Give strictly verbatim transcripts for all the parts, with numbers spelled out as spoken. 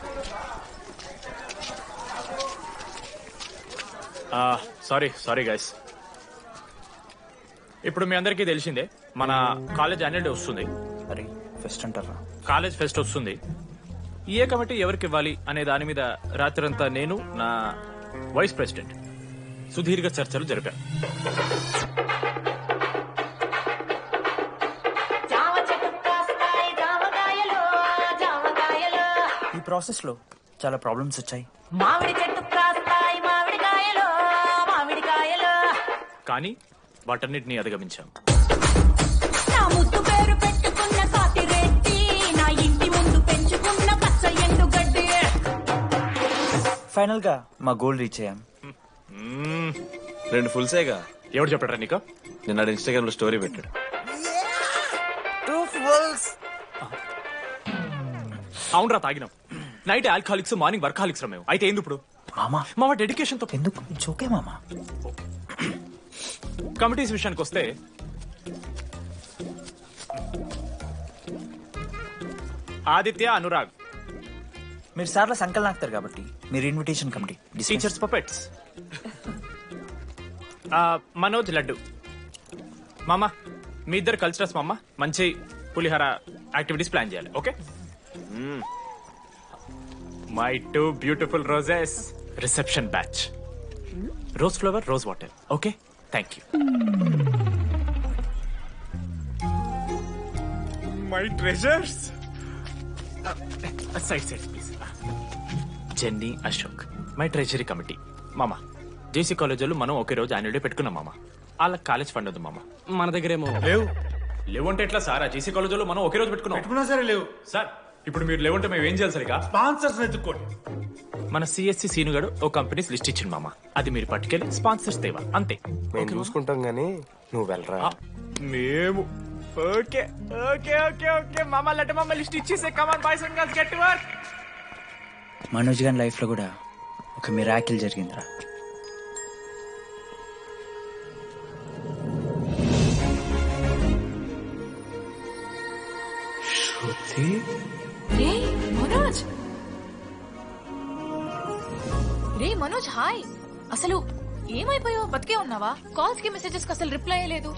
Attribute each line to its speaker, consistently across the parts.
Speaker 1: Sorry sorry guys. ఇప్పుడు మీ అందరికీ తెలిసిందే మన కాలేజ్ యాన్యువల్ డే వస్తుంది.
Speaker 2: అరే ఫెస్ట్ అంటారా?
Speaker 1: కాలేజ్ ఫెస్ట్ వస్తుంది. ఏ కమిటీ ఎవరికి ఇవ్వాలి అనే దాని మీద రాత్రంతా నేను నా వైస్ ప్రెసిడెంట్ సుదీర్ఘ చర్చలు జరిపాను.
Speaker 2: ఈ ప్రాసెస్ లో చాలా ప్రాబ్లమ్స్ వచ్చాయి.
Speaker 3: మామిడి చెట్టు కాస్తాయి మామిడికాయలు మామిడికాయలు,
Speaker 1: కానీ వాటన్నిటిని అధిగమించాం.
Speaker 3: నా ముద్దు పేరు పెట్టుకున్న కాతిరెడ్డి, నా ఇంటి ముందు పెంచుకున్న పచ్చ ఎండుగడ్డి.
Speaker 2: ఫైనల్ గా మా గోల్ రీచ్ అయ్యాం.
Speaker 4: రెండు ఫుల్ సేగా.
Speaker 1: ఎవరు చెప్పారా నీకు?
Speaker 4: నిన్న ఇన్స్టాగ్రామ్ లో స్టోరీ పెట్టాడు.
Speaker 1: అవునరా తాగినాం. నైట్ ఆల్కహాలిక్స్, మార్నింగ్ వర్కాలిక్స్ రా మేము. అయితే ఏంది ఇప్పుడు?
Speaker 2: మామా
Speaker 1: మామ డెడికేషన్ తో
Speaker 2: ఎందుకు ఓకే మామా.
Speaker 1: కమిటీస్ విషయానికి వస్తే ఆదిత్య, అనురాగ్
Speaker 2: మీరు సార్ల సంకల్ నాకుతారు కాబట్టి మీరు invitation committee.
Speaker 1: Teachers puppets. Manoj Laddu. మామ మీ ఇద్దరు కల్చరల్స్ మామ. మంచి పులిహార యాక్టివిటీస్ ప్లాన్ చేయాలి. Okay. My two beautiful roses reception batch. Rose flower, rose water. Okay, thank you. My treasures. Side side please. Jenny, Ashok my treasury committee. మామ జేసీ కాలేజ్ వాళ్ళు మనం ఒకే రోజు యాన్యువల్ డే పెట్టుకున్నాం మామ. వాళ్ళకి కాలేజ్ ఫండ్ ఉంది మామ. మన దగ్గర ఏమో
Speaker 5: లేవు.
Speaker 1: లేవంటే ఎట్లా సార్? జేసీ కాలేజ్ వాళ్ళు మనం ఒకే రోజు పెట్టుకున్నాం.
Speaker 5: పెట్టుకున్నా సరే లేవు
Speaker 1: సార్ ఇప్పుడు మీరు లేవంటే మేము ఏం చేయాలి సరిగా?
Speaker 5: స్పాన్సర్స్ ఎత్తుక్కోండి.
Speaker 1: మన సిఎస్సి సీనుగాడు ఓ కంపెనీస్ లిస్ట్ ఇచ్చింది మామ. అది మీరు పట్టుకెళ్ళి స్పాన్సర్స్ తేవా అంతే.
Speaker 6: మేము చూసుకుంటాం గానీ నువ్వు వెళ్ళరా.
Speaker 1: ఆ, మేము ఓకే ఓకే ఓకే ఓకే మామ. లెట్ మామ లిస్ట్ ఇచ్చేసే. Come on boys and girls, get to work.
Speaker 2: Manoj గారి లైఫ్ లో కూడా ఒక మిరాకిల్ జరిగిందిరా.
Speaker 7: రే మనోజ్, రే మనోజ్ హాయ్. అసలు ఏమైపోయావు? బతికే ఉన్నావా? కాల్స్ కి మెసేజెస్ కి అసలు రిప్లై అయ్యలేదు.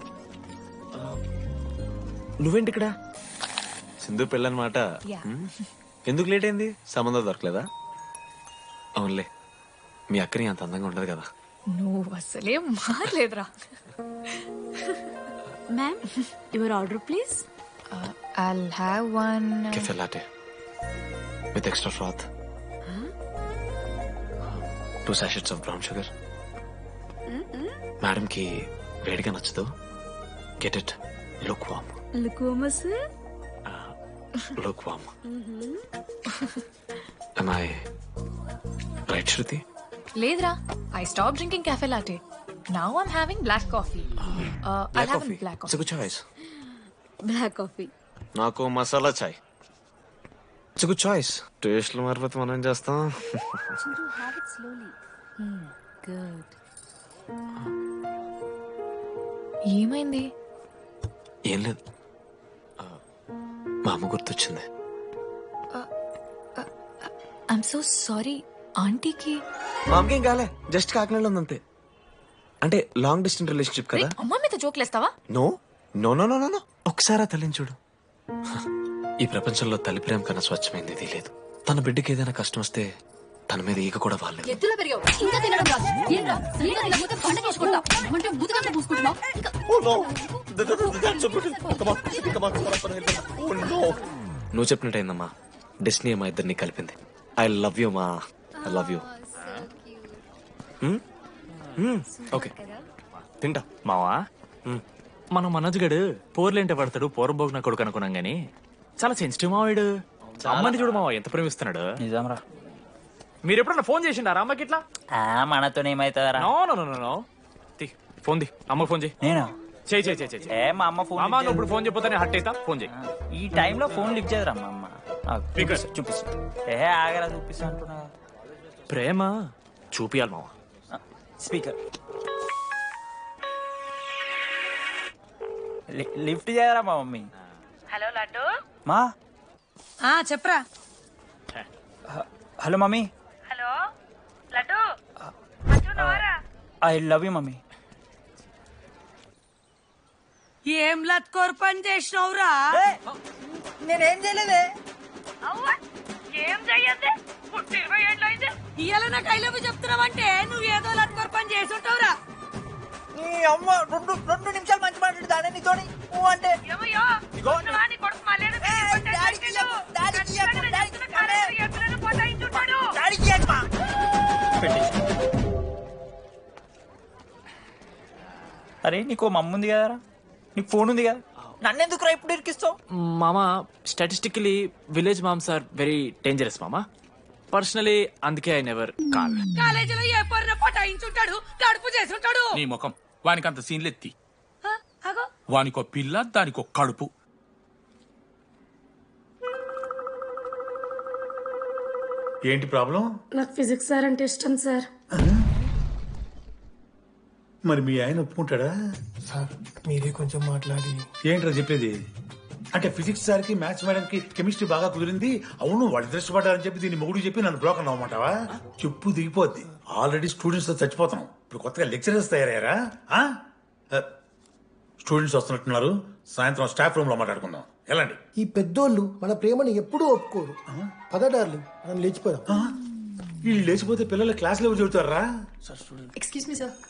Speaker 4: నువ్వేంటి ఇక్కడ? సింధు పెళ్ళనమాట. ఎందుకు లేట్ అయింది? సంబంధం దొరకలేదా? అవునులే, మీ అక్కని అంత అందంగా ఉండదు కదా.
Speaker 7: నువ్వు అసలే మారలేదురా.
Speaker 8: Ma'am your order please.
Speaker 7: I'll have one.
Speaker 4: Cafe latte with extra froth. Two sachets of brown sugar. Madam కి వేడిగా నచ్చదు. Get it lukewarm.
Speaker 8: Lukewarm sir.
Speaker 4: Lukewarm. Am I right, Shruti?
Speaker 7: లేదురా, I stopped drinking cafe latte. Now I'm having black coffee. Uh, I'll have a black
Speaker 4: It's
Speaker 7: coffee.
Speaker 4: a good choice.
Speaker 8: Black coffee.
Speaker 4: నాకు masala chai. It's good choice. టేస్ట్లు మారిపోతే మనం ఏం చేస్తాం?
Speaker 8: Chintu, have it slowly. Hmm, good.
Speaker 7: ఏమైంది?
Speaker 4: ఏం లేదు, మా అమ్మ గుర్తొచ్చింది.
Speaker 7: I'm so sorry. ఆంటీకి
Speaker 4: మా అమ్మకేం కాలే, జస్ట్ కాకినాడలో ఉందంతే. అంటే లాంగ్ డిస్టెన్స్ రిలేషన్షిప్ కదా.
Speaker 7: అమ్మ మీద జోకులేస్తావా?
Speaker 4: No no no no no ఒకసారి తల్లిని చూడు. ఈ ప్రపంచంలో తల్లి ప్రేమ కన్నా స్వచ్ఛమైంది ఇది లేదు. తన బిడ్డకి ఏదైనా కష్టం వస్తే తన మీద ఈగ కూడా వాళ్ళలేదు.
Speaker 8: ఎత్తులో పెరిగావు ఇంకా తినడం రాదు. ఏంట్రా సరిగా తినకపోతే పంట చేసుకుంటా అంటే బుద్ధగా పూసుకుంటున్నావు.
Speaker 4: నువ్వు చెప్పినట్టయిందమ్మా, డెస్టినీ మా ఇద్దరిని కలిపింది. ఐ లవ్ యూ మా, ఐ లవ్ యూ. ఓకే తింటా.
Speaker 1: మావా మనం మనోజ్ గడు పోర్లేంటే పడతాడు, పోరబోగు నా కొడుకు అనుకున్నాం గానీ చాలా సెన్సిటివ్ మావాడు. అమ్మని చూడు మావా ఎంత ప్రేమిస్తున్నాడు.
Speaker 2: నిజంరా.
Speaker 1: మీరు ఎప్పుడన్నా ఫోన్ చేసిండారా అమ్మకి ఇట్లా?
Speaker 2: మనతో ఏమైతుందరా?
Speaker 1: నో నో నో నో తి ఫోన్ ది అమ్మకి ఫోన్ చేయి.
Speaker 2: నేను
Speaker 1: చేయి చేయి చేయి.
Speaker 2: ఏ మా అమ్మ ఫోన్
Speaker 1: అమ్మ నువ్వు ఇప్పుడు ఫోన్ చెప్పితే హట్ అవుతా. ఫోన్ చేయి.
Speaker 2: ఈ టైంలో ఫోన్ లిఫ్ట్ చేయదురా మా అమ్మ.
Speaker 1: Speaker.
Speaker 2: చూపిస్తా. ఏ ఆగరా చూపిస్తా అంటున్నా.
Speaker 1: ప్రేమ చూపియాలి మావా.
Speaker 2: స్పీకర్ లిఫ్ట్ చేయరా మా మమ్మీ.
Speaker 3: హలో లడ్డు.
Speaker 2: మా
Speaker 3: ఆ చెప్పరా.
Speaker 2: Hello mummy.
Speaker 5: Hello Laddu
Speaker 2: I love you mummy.
Speaker 5: ఏం లత్కోర్ పని చేసినవురా?
Speaker 2: నేనేం చేయలేదే.
Speaker 5: ఏం చెయ్యద్దే పుట్టి ఇరవై ఏళ్ళు అయింది. ఇయ్యాల నాకు ఐ లవ్ యూ చెప్తున్నావంటే నువ్వు ఏదో లత్కోర్ పని చేసి ఉంటావురా.
Speaker 2: నీ అమ్మ రెండు రెండు నిమిషాలు మంచి మాట్లాడుతానే నీతోని నువ్వు అంటే
Speaker 5: ఏమయ్యో ఉన్నవాని కొడుకు మళ్ళీ
Speaker 2: అరే నీకు మమ్మ ఉంది కదరా, నీకు ఫోన్ ఉంది కదా, నన్నెందుకు రా ఇప్పుడు ఇరికిస్తావు?
Speaker 1: మామా statistically village moms are very dangerous మామా. పర్సనలీ అందుకే ఐ నెవర్ కాల్.
Speaker 5: కాలేజీలో ఏ పొరిన పటాయించుంటాడు, కడుపు చేసి ఉంటాడు.
Speaker 9: నీ ముఖం వానికంత సీన్లెత్తి. వానికో పిల్ల దానికో కడుపు.
Speaker 10: ఏంటి ప్రాబ్లం?
Speaker 11: నాకు ఫిజిక్స్ సార్ అంటే ఇష్టం సార్.
Speaker 10: మరి మీ ఆయన ఒప్పుకుంటాడా?
Speaker 6: సార్ మీరే కొంచెం మాట్లాడి.
Speaker 10: ఏంట్రా చెప్పేది? అంటే ఫిజిక్స్ సార్కి మ్యాథ్స్ మేడంకి కెమిస్ట్రీ బాగా కుదిరింది, అవును వాళ్ళు ఇష్టపడ్డారని చెప్పి దీన్ని మొగుడు చెప్పి నన్ను బ్రోకన్ అవ్వమంటావా? చెప్పు దిగిపోద్ది. ఆల్రెడీ స్టూడెంట్స్ తో చచ్చిపోతున్నాం, ఇప్పుడు కొత్తగా లెక్చరర్స్ తయారయ్యారా? స్టూడెంట్స్ వస్తున్నట్టున్నారు, సాయంత్రం స్టాఫ్ రూమ్ లో మాట్లాడుకుందాం. ఎలాంటి
Speaker 12: ఈ పెద్దోళ్ళు మన ప్రేమను ఎప్పుడూ ఒప్పుకోరు. పదడార్లు మనం లేచిపోదాం.
Speaker 10: వీళ్ళు లేచిపోతే పిల్లలు క్లాసులో ఎవరు చెబుతారా?
Speaker 7: Excuse me sir.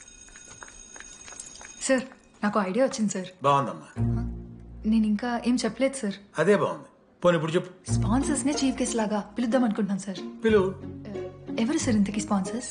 Speaker 7: సార్ నాకు ఐడియా వచ్చింది సార్.
Speaker 10: బాగుందమ్మా.
Speaker 7: నేను ఇంకా ఏం చెప్పలేదు సార్.
Speaker 10: అదే బాగుంది. పోనీ ఇప్పుడు చెప్పు.
Speaker 7: స్పాన్సర్స్ నే చీఫ్ గెస్ట్ లాగా పిలుద్దాం అనుకుంటున్నాను సార్.
Speaker 10: పిలువు.
Speaker 7: ఎవరు సార్ ఇంతకీ స్పాన్సర్స్?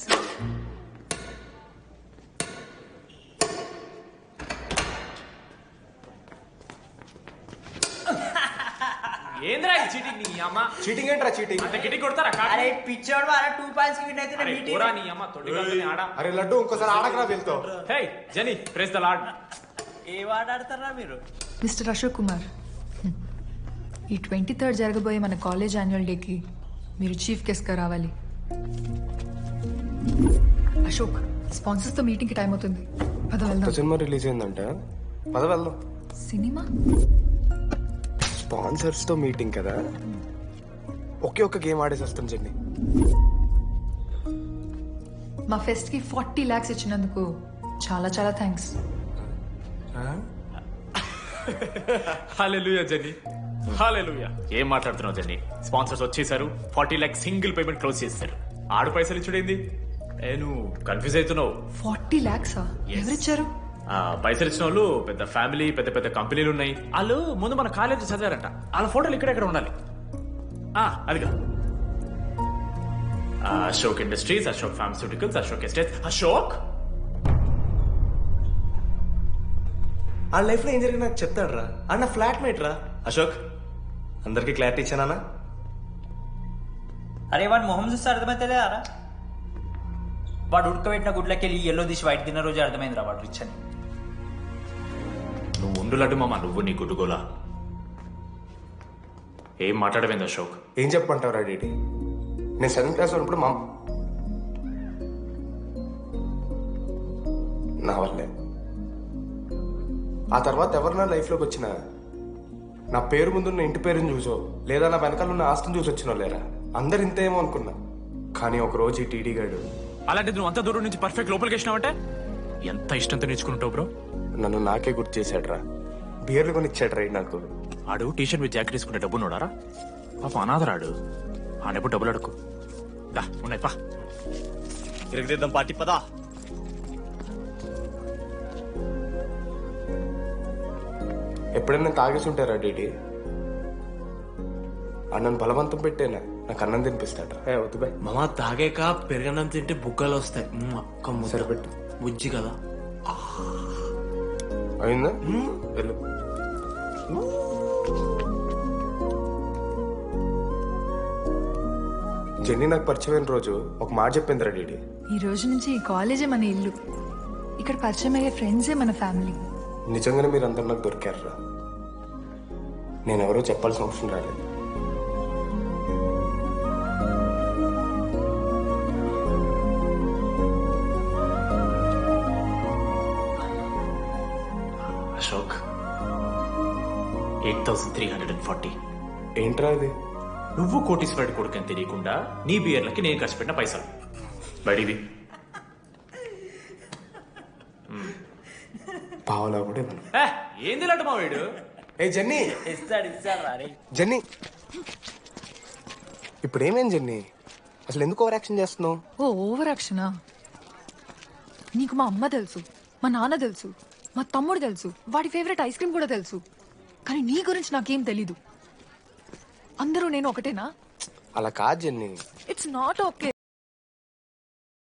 Speaker 1: ఏంద్రా చీటింగ్ నీ అమ్మ?
Speaker 6: చీటింగ్ ఏంట్రా చీటింగ్?
Speaker 1: అంత గిటి కొడతారా?
Speaker 2: అరే పిచ్చోడు వారా టూ పాయింట్స్ కి విన్ అయితే
Speaker 1: అరే పోరా నీ అమ్మ తొడి గంటని ఆడ.
Speaker 6: అరే లడ్డు ఇంకోసారి ఆడకరా వెళ్తావు.
Speaker 1: Hey Jenny praise the Lord.
Speaker 2: ఏ వాడాడతారా మీరు?
Speaker 7: మిస్టర్ అశోక్ కుమార్, ఈ ట్వంటీ థర్డ్ జరగబోయే మన కాలేజ్ యాన్యువల్ డేకి మీరు చీఫ్ గెస్ట్గా రావాలి. అశోక్, స్పాన్సర్స్ తో మీటింగ్ కి టైం అవుతుంది, పద వెళ్దాం.
Speaker 6: సినిమా రిలీజ్ అయిందంట, పద వెళ్దాం.
Speaker 7: సినిమా?
Speaker 6: స్పాన్సర్స్ తో మీటింగ్ కదా, ఒకే ఒక్క గేమ్ ఆడేసి వస్తాం చెన్ని.
Speaker 7: మా ఫెస్ట్ కి ఫార్టీ లాక్స్ ఇచ్చినందుకు చాలా చాలా థ్యాంక్స్.
Speaker 1: హల్లెలూయా జెన్నీ, హల్లెలూయా. ఏం మాట్లాడుతున్నావు జెన్నీ? స్పాన్సర్స్ వచ్చేసారు, forty lakh single payment close చేస్తారు. ఆడు పైసలు ఇచ్చుడేంది? ఏ నువ్వు కన్ఫ్యూజ్ అవుతున్నావు.
Speaker 7: ఫార్టీ లాక్సా? ఎవరిచ్చారు?
Speaker 1: ఆ పైసలు ఇచ్చిన వాళ్ళు పెద్ద ఫ్యామిలీ, పెద్ద పెద్ద కంపెనీలు ఉన్నాయి. వాళ్ళు ముందు మన కాలేజ్ చదివారంట, వాళ్ళ ఫోటోలు ఇక్కడెక్కడ ఉండాలి. ఆ అదిగా Ashok industries, Ashok pharmaceuticals, Ashok estates. Ashok
Speaker 6: ఆ లైఫ్ లో ఏం జరిగింది నాకు చెప్తాడు రా. అన్న ఫ్లాట్ మేట్ రా అశోక్. అందరికి క్లారిటీ ఇచ్చానా?
Speaker 2: అరే వాడు మొహం చూస్తే అర్థమైతే అరా, వాడు ఉడకబెట్టిన గుడ్లకి వెళ్ళి ఎల్లో తీసి వైట్ తిన్న రోజు అర్థమైందిరా వాడు రిచ్ అని.
Speaker 1: నువ్వు ఉండు లడ్డు మామ, నువ్వు నీ గుడ్డుగోలా. ఏం మాట్లాడమైంది అశోక్?
Speaker 6: ఏం చెప్పంటావు రా డీటీ? నేను సెవెంత్ క్లాస్ ఉన్నప్పుడు మా నా వల్లే. ఆ తర్వాత ఎవరు నా లైఫ్లోకి వచ్చినా నా పేరు ముందున్న ఇంటి పేరుని చూసో లేదా నా వెనకాల ఉన్న ఆస్తిని చూసి వచ్చినో లేరా, అందరు ఇంతేమో అనుకున్నా. కానీ ఒక రోజు ఈ టీడీ గాడు.
Speaker 1: అలాంటిది నువ్వు అంత దూరం నుంచి పర్ఫెక్ట్ లోపలికి వేసినావంటే ఎంత ఇష్టంతో నేర్చుకుంటావు బ్రో.
Speaker 6: నన్ను నాకే గుర్తు చేశాడు రా, బియర్లు కొని ఇచ్చాడు రా నాకు.
Speaker 1: ఆడు టీషర్ట్ మీద జాకెట్ తీసుకుంటే డబ్బు నోడారా? పాప అనాథరాడు, ఆడెప్పుడు డబ్బులు అడుకు. దా ఉన్నాయి పా,
Speaker 6: తిరగదిద్దాం పార్టీ పదా. ఎప్పుడైనా తాగేసి ఉంటారా డీటీ? అన్నను బలవంతం పెట్టేనా నాకు అన్నం తినిపిస్తాడు. ఏ వద్దు బాయ్
Speaker 13: మామ, తాగాక పెరగన్నం తింటే బుక్కలు వస్తాయి. అక్క
Speaker 6: సరిపెట్టు,
Speaker 13: బుజ్జి కదా.
Speaker 6: అయిందా? వెళ్ళు. జెన్నీ నాకు పరిచయమైన రోజు ఒక మాట చెప్పిందిరా డీడీ.
Speaker 7: ఈ రోజు నుంచి ఈ కాలేజే మన ఇల్లు, ఇక్కడ పరిచయం అయ్యే ఫ్రెండ్సే మన ఫ్యామిలీ.
Speaker 6: నిజంగానే మీరు అందరు నాకు దొరికారురా. నేనెవరో చెప్పాల్సిన అవసరం రాలేదు.
Speaker 1: Ashok, eight thousand three hundred and forty.
Speaker 6: ఏంట్రా ఇది?
Speaker 1: నువ్వు కోటీశ్వరుడి కొడుకు అని తెలియకుండా నీ బియర్లకి నేను ఖర్చు పెట్టిన పైసలు బడివి
Speaker 6: పావులా కూడా ఇవ్వను.
Speaker 1: ఏ, ఏంది లడ్డు మా వీడు
Speaker 6: ఏ జెన్నీ
Speaker 2: ఇస్తాడు ఇస్తాడు రా రే.
Speaker 6: జెన్నీ ఇప్పుడు ఏమేం జెన్నీ అసలు ఎందుకు ఓవర్ యాక్షన్ చేస్తున్నావు?
Speaker 7: ఓ ఓవర్ యాక్షనా? నీకు మా అమ్మ తెలుసు, మా నాన్న తెలుసు, మా తమ్ముడు తెలుసు, వాడి ఫేవరెట్ ఐస్ క్రీమ్ కూడా తెలుసు. కానీ నీ గురించి నాకేం తెలీదు. అందరూ నేను ఒకటేనా?
Speaker 6: అలా కాదు జెన్నీ.
Speaker 7: It's not okay.